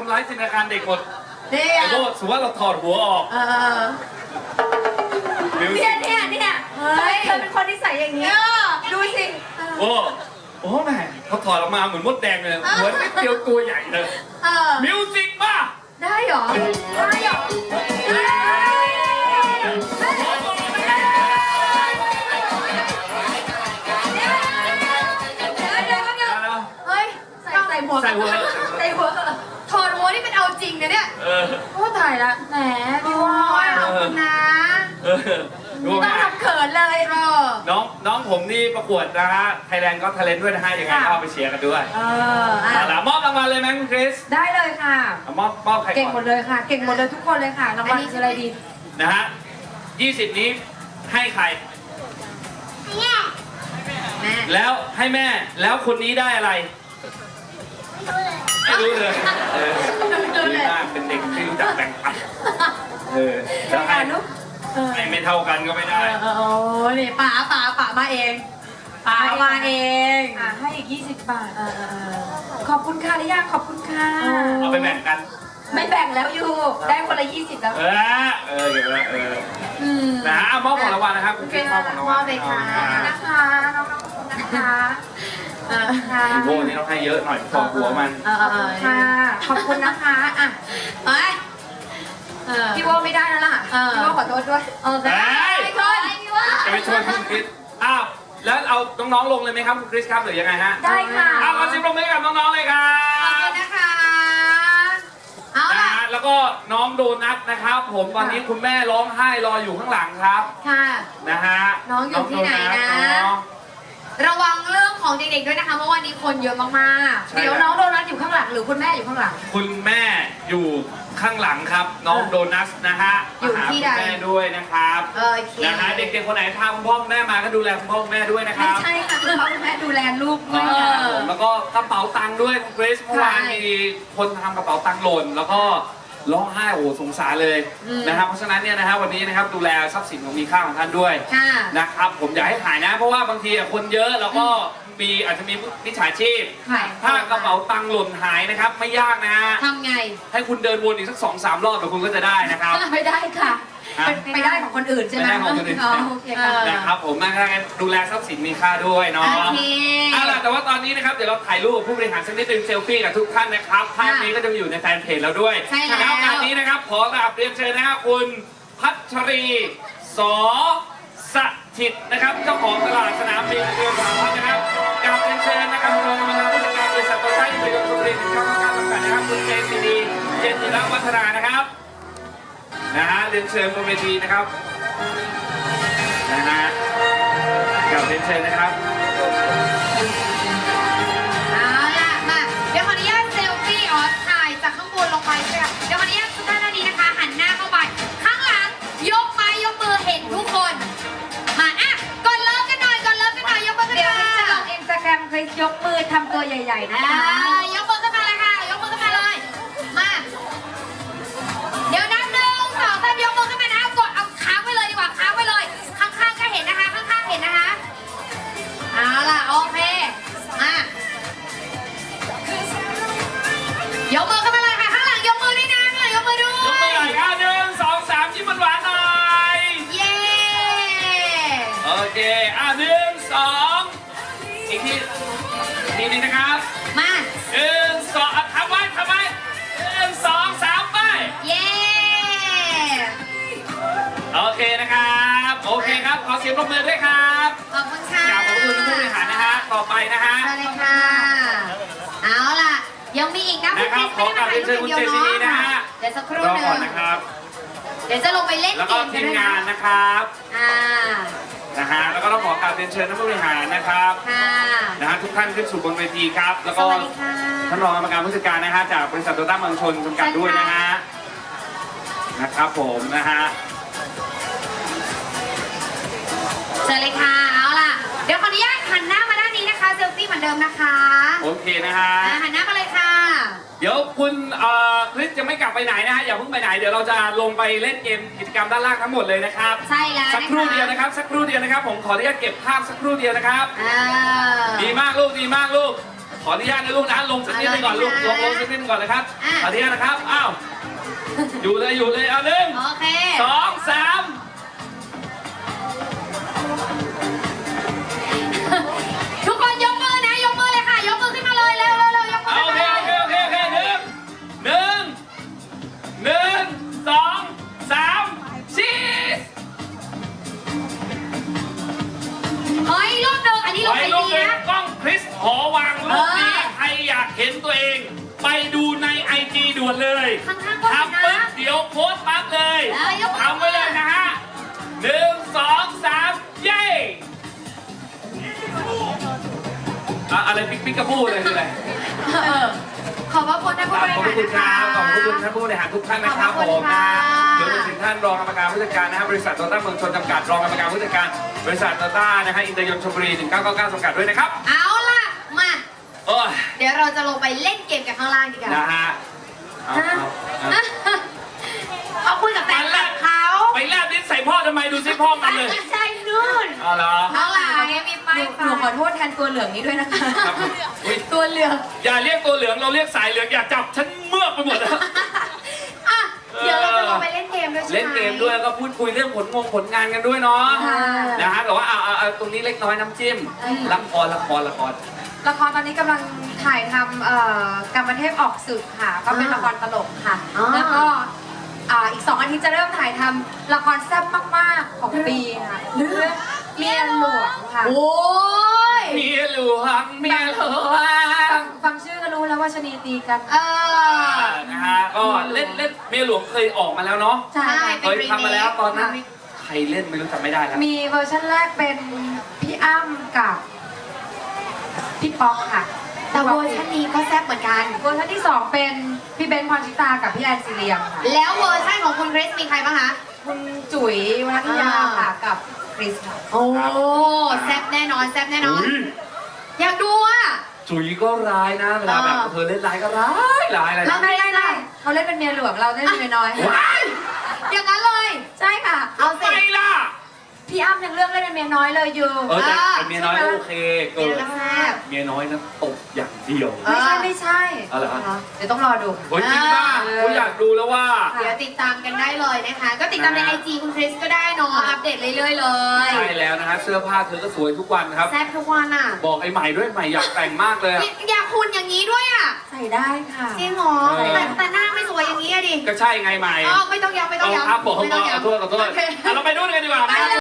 ำร้ายจินตนาการเด็กหมดเนี่ยไอ้โบสมมติว่าเราถอดหัวออกเนี่ยเฮ้ยเธอเป็นคนที่ใส่อย่างนี้ดูสิโอ้แม่เขาถอดออกมาเหมือนมดแดงเลยหัวนิดเดียวตัวใหญ่เลยมิวสิกมาได้หรอเฮ้ยใส่หัวถอดหัวนี่เป็นเอาจริงนะเนี่ยโอ้ตายละแหมพี่วอยขอบคุณนะต้องทำเขินเลยน้องผมนี่ประกวดนะฮะไทยแลนด์ก็ทะเลนด้วยนะฮะยังไงก็ไปเชียร์กันด้วยมอบรางวัลเลยไหมคุณคริสได้เลยค่ะมอบใครก่อนเก่งหมดเลยค่ะเก่งหมดเลยทุกคนเลยค่ะรางวัลคืออะไรดีนะฮะ20นี้ให้ใครแม่แล้วให้แม่แล้วคนนี้ได้อะไรไม่รู้เลยดีมากเป็นเด็กที่รู้จักแบ่งปันแล้วให้ไม่เท่ากันก็ไม่ได้โอ้นี่ป๋ามาเองป๋ามาเองให้อีก20 บาทขอบคุณค่ะลิยาขอบคุณค่ะเอาไปแบ่งกันไม่แบ่งแล้วอยู่ได้คนละ20แล้วเดี๋ยวนะมอบของรางวัลนะครับคุณพี่มอบของรางวัลเลยค่ะนะคะน้องๆขอบคุณนะคะพี่โบนี่ต้องให้เยอะหน่อยถอดหัวมันค่ะขอบคุณนะคะพี่โบไม่ได้แล้วล่ะพี่โบขอโทษด้วยไม่ชวนพี่โบจะไปชวนคุณคริสแล้วเอาน้องๆลงเลยไหมครับคุณคริสครับหรือยังไงฮะได้ค่ะขอเสียงปรบมือกับน้องๆเลยครับขอบคุณนะคะแล้วก็น้องโดนัทนะครับผมตอนนี้คุณแม่ร้องไห้รออยู่ข้างหลังครับค่ะนะฮะน้องอยู่ที่ไหนนะระวังเรื่องของเด็กๆด้วยนะคะเมื่อวันนี้คนเยอะมากๆเดี๋ยวน้องโดนัทอยู่ข้างหลังหรือคุณแม่อยู่ข้างหลังคุณแม่อยู่ข้างหลังครับน้องโดนัทนะฮะอยู่ที่ใดแม่ด้วยนะครับนะฮะเด็กๆคนไหนพาคุณพ่อคุณแม่มาก็ดูแลคุณพ่อคุณแม่ด้วยนะครับไม่ใช่ค่ะคุณพ่อคุณแม่ดูแลลูกด้วยแล้วก็กระเป๋าตังค์ด้วยคุณเกรซเมื่อวานมีคนทำกระเป๋าตังค์หล่นแล้วก็ร้องไห้สงสารเลยนะครับเพราะฉะนั้นเนี่ยนะฮะวันนี้นะครับดูแลทรัพย์สินของมีค่าของท่านด้วยนะครับผมอยากให้ถ่ายนะเพราะว่าบางทีคนเยอะแล้วก็อาจจะมีมิจฉาชีพถ้ากระเป๋าตังค์หล่นหายนะครับไม่ยากนะฮะทำไงให้คุณเดินวนอีกสัก2-3 รอบเดี๋ยวคุณก็จะได้นะครับไม่ได้ค่ะไปได้ของคนอื่นใช่ไหมไม่ได้ของคนอื่นนะครับผมนะครับดูแลทรัพย์สินมีค่าด้วยเนาะล่ะแต่ว่าตอนนี้นะครับเดี๋ยวเราถ่ายรูปผู้บริหารสักนิดนึงเซลฟี่กับทุกท่านนะครับภาพนี้ก็จะอยู่ในแฟนเพจเราด้วยแล้วงานนี้นะครับขอกราบเรียนเชิญนะครับคุณพัชรีสสถิตนะครับเจ้าของตลาดสนามบินเรือสามพันนะครับกราบเรียนเชิญนะครับรองประธานผู้จัดการบริษัทโตต้าอินเตอร์เนชั่นแนลจำกัดนะครับคุณเจนซีดีเจนจิรวัฒนานะครับนะฮะเรียนเชิญบนเวทีนะครับนะฮะกราบเรียนเชิญนะครับเอาล่ะมาเดี๋ยวขออนุญาตเซลฟี่ถ่ายจากข้างบนลงไปใช่ไหมเดี๋ยวขออนุญาตทุกท่านนี้นะคะหันหน้าเข้าไปข้างหลังยกไม้ยกมือเห็นทุกคนมาก่อนเริ่มกันหน่อยยกมือกันเดี๋ยวจะลงInstagramคริสยกมือทำตัวใหญ่ๆนะคะยกมือขึ้นมาเลยค่ะยกมือขึ้นมาเลยมาเดี๋ยวนับ1 2 3ยกมือขึ้นมานะกดเอาค้างไว้เลยดีกว่าค้างไว้เลยข้างๆก็เห็นนะคะข้างๆเห็นนะคะเอาล่ะโอเคมายกมือขึ้นมาเลยค่ะข้างหลังยกมือด้วยนะข้างหลังยกมือด้วยยกมือหน่อยค่ะ1 2 3ยิ้มหวานๆหน่อยเย้โอเค1 2อีกทีนึงนะครับมา 1 2ทำไว้1 2 3ไปเย้โอเคนะครับโอเคครับขอเสียงปรบมือด้วยครับขอบคุณค่ะขอบคุณผู้บริหารนะฮะต่อไปนะฮะได้เลยค่ะเอาล่ะยังมีอีกนะคุณคริสไม่ได้มาถ่ายรูปเดียวเนาะเดี๋ยวสักครู่นึงนะครับเดี๋ยวจะลงไปเล่นเกมทีมงานนะครับนะฮะแล้วก็ต้องขอกราบเรียนเชิญท่านผู้บริหารนะครับนะฮะทุกท่านขึ้นสู่บนเวทีครับแล้วก็ท่านรองกรรมการผู้จัดการนะฮะจากบริษัทโตต้าเมืองชนจำกัดด้วยนะฮะนะครับผมนะฮะเชิญเลยค่ะเอาล่ะเดี๋ยวขออนุญาตหันหน้ามาด้านนี้นะคะเซลฟี่เหมือนเดิมนะคะโอเคนะฮะหันหน้ามาเลยค่ะเดี๋ยวคุณคริสจะไม่กลับไปไหนนะฮะอย่าเพิ่งไปไหนเดี๋ยวเราจะลงไปเล่นเกมกิจกรรมด้านล่างทั้งหมดเลยนะครับใช่แล้วสักครู่เดียวนะครับสักครู่เดียวนะครับผมขออนุญาตเก็บภาพสักครู่เดียวนะครับดีมากลูกขออนุญาตนะลูกนะลงสักนิดหนึงก่อนลูกลงสักนิดหนึงก่อนนะครับขออนุญาตนะครับอ้าวอยู่เลยเอาหนึ่งโอเคสองสามทุกคนยกมือนะยกมือเลยค่ะยกมือขึ้นมาเลยเร็วยกมือโอเคหนึ่งสองสามชีสขออีกรูปหนึ่งอันนี้รูปไว้ไอรูปดีเป็นนะกล้องคริสหอวังรูปนี้ใครอยากเห็นตัวเอง ไปดูในไอจีด่วนเลยข้างๆก็ทำนะปุ๊บเดี๋ยวโพสต์ปั๊บเลยยกมือทำไว้เลยนะฮะหนึ่งสองสามเย้อะไรปิ๊กกระพู้เลยคืออะไรขอบพระคุณท่านผู้บริขอบหารคุณครับนะะขอบคุณท่านผู้บริหารทุกท่านนะครับขอบผคุมณค่ะนะเดี๋ยวไปถึงท่านรองกรรมการผู้จัดการนะครับบริษัทโตต้าเมืองชนจำกัดรองกรรมการผู้จัดการบริษัทโตต้านะฮะอินเตอร์ยนต์ชลบุรี1999จำกัดด้วยนะครับเอาล่ะมาโอ้ยเดี๋ยวเราจะลงไปเล่นเกมกันข้างล่างดีกว่านะฮะเอาเขาคุยกับแฟนคลับเขาไปแลบลิ้นใส่พ่อทำไมดูสิพ่อมันเลยใช่นู่นเอาเหรอน้องหลานมีป้ายหนูขอโทษแทนตัวเหลืองนี้ด้วยนะคะครับอุ๊ยตัวเหลืองอย่าเรียกตัวเหลืองเราเรียกสายเหลืองอย่าจับฉันเมือกไปหมดแล้วอ่ะเดี๋ยวเราจะลงไปเล่นเกมด้วยใช่ไหมเล่นเกมด้วยแล้วก็พูดคุยเรื่องผลงานกันด้วยเนาะค่ะนะฮะแต่ว่าเอาตรงนี้เล็กน้อยน้ำจิ้มละครละครตอนนี้กำลังถ่ายทำกรรมเทพออกศึกค่ะ ก็เป็นละครตลกค่ะ แล้วก็อีก2 อาทิตย์จะเริ่มถ่ายทำละครแซ่บมากๆของปีค่ะเรื่องเมียหลวงค่ะโอ้ยเมียหลวงเมียหลวงฟังชื่อก็รู้แล้วว่าชะนีตีกันนะฮะก็เล่นเมียหลวงเคยออกมาแล้วเนาะใช่ค่ะเคยทำมาแล้วตอนนั้นนี่ใครเล่นไม่รู้จำไม่ได้แล้วมีเวอร์ชันแรกเป็นพี่อ้ำกับพี่ป๊อกค่ะแต่เวอร์ชันนี้ก็แซ่บเหมือนกันเวอร์ชันที่ 2 เป็นพี่เบนซ์พรชิตากับพี่แอนซีเรียมค่ะแล้วเวอร์ชันของคุณคริสมีใครบ้างคะคุณจุ๋ยวรัตยาค่ะกับคริสค่ะโอ้แซ่บแน่นอนแซ่บแน่นอนอุ๊ยอยากดูอ่ะจุ๋ยก็ร้ายนะเวลาแบบเธอเล่นร้ายก็ร้ายอะไรแล้นะวไม่ได้เขาเล่นเป็นเมียหลวงเราเล่นเป็นเมียน้อยว้ายอย่างนั้นเลยใช่ค่ะเอาทำสิไมล่ะพี่อ้ำยังเลือกเล่นเป็นเมียน้อยเลยอยู่แต่เมียน้อยโอเคเกิเดี๋ยนวแซ่บเมียน้อยนะตบอย่างเดียวไม่ใช่เอาเหรอเดี๋ยวต้องรอดูค่ะโอ้ยจริงป่ะกูอยากดูแล้วว่าเดี๋ยวติดตามกันได้เลยนะคะ ก็ติดตามในไอจีคุณคริสก็ได้เนาะอัปเดตเรื่อยๆเลยใช่แล้วนะฮะเสื้อผ้าเธอก็สวยทุกวันครับแซ่บทุกวันอ่ะบอกไอ้ใหม่ด้วยใหม่อยากแต่งมากเลยอะอยากคุณอย่างนี้ด้วยอ่ะใส่ได้ค่ะจริงเหรอแต่หน้าไม่สวยอย่างนี้อะดิก็ใช่ไงใหม่อ๋อไม่ต้องย้ำไม่ต้องย้ำครับผมไม่ต้องย้ำขอโทษโอเคเราไปดูกันดีกว่านะ